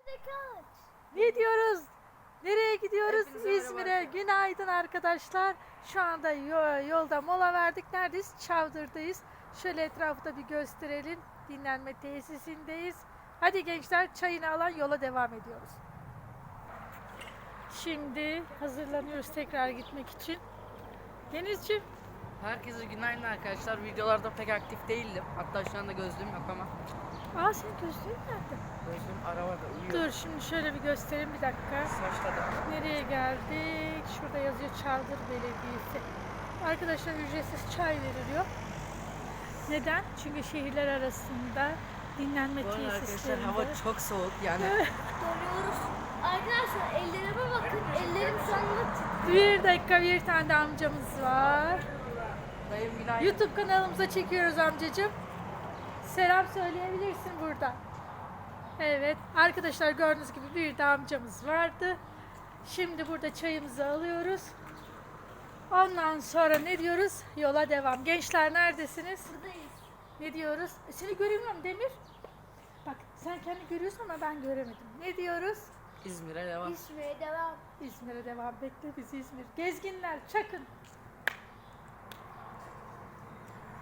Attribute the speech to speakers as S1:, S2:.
S1: Ne diyoruz? Nereye gidiyoruz?
S2: Hepinize merhaba
S1: İzmir'e.
S2: arkadaşlar.
S1: Günaydın arkadaşlar. Şu anda yolda mola verdik. Neredeyiz? Çavdır'dayız. Şöyle etrafı da bir gösterelim. Dinlenme tesisindeyiz. Hadi gençler, çayını alan yola devam ediyoruz. Şimdi hazırlanıyoruz tekrar gitmek için. Denizciğim.
S2: Herkese günaydın arkadaşlar. Videolarda pek aktif değildim. Hatta şu anda gözlüğüm yok ama.
S1: Senin gözlüğün nerede?
S2: Gözlüğüm arabada uyuyor.
S1: Dur şimdi şöyle bir göstereyim, bir dakika.
S2: Başladı.
S1: Nereye geldik? Şurada yazıyor Çavdır Belediyesi. Arkadaşlar, ücretsiz çay veriliyor. Neden? Çünkü şehirler arasında dinlenme
S2: Bu arada arkadaşlar
S1: tesislerinde.
S2: hava çok soğuk yani.
S3: Donuyoruz. Arkadaşlar ellerime bakın. Ellerim şu anda
S1: Bir dakika, bir tane de amcamız var.
S2: Dayım günaydın.
S1: YouTube kanalımıza çekiyoruz amcacığım. Selam söyleyebilirsin burada. Evet arkadaşlar, gördüğünüz gibi bir de amcamız vardı. Şimdi burada çayımızı alıyoruz. Ondan sonra ne diyoruz? Yola devam. Gençler neredesiniz?
S3: buradayız.
S1: Ne diyoruz? Seni göremiyorum Demir. Bak, sen kendi görüyorsun ama ben göremedim. Ne diyoruz?
S2: İzmir'e devam.
S3: İzmir'e devam.
S1: İzmir'e devam. Bekle bizi İzmir. Gezginler çakın.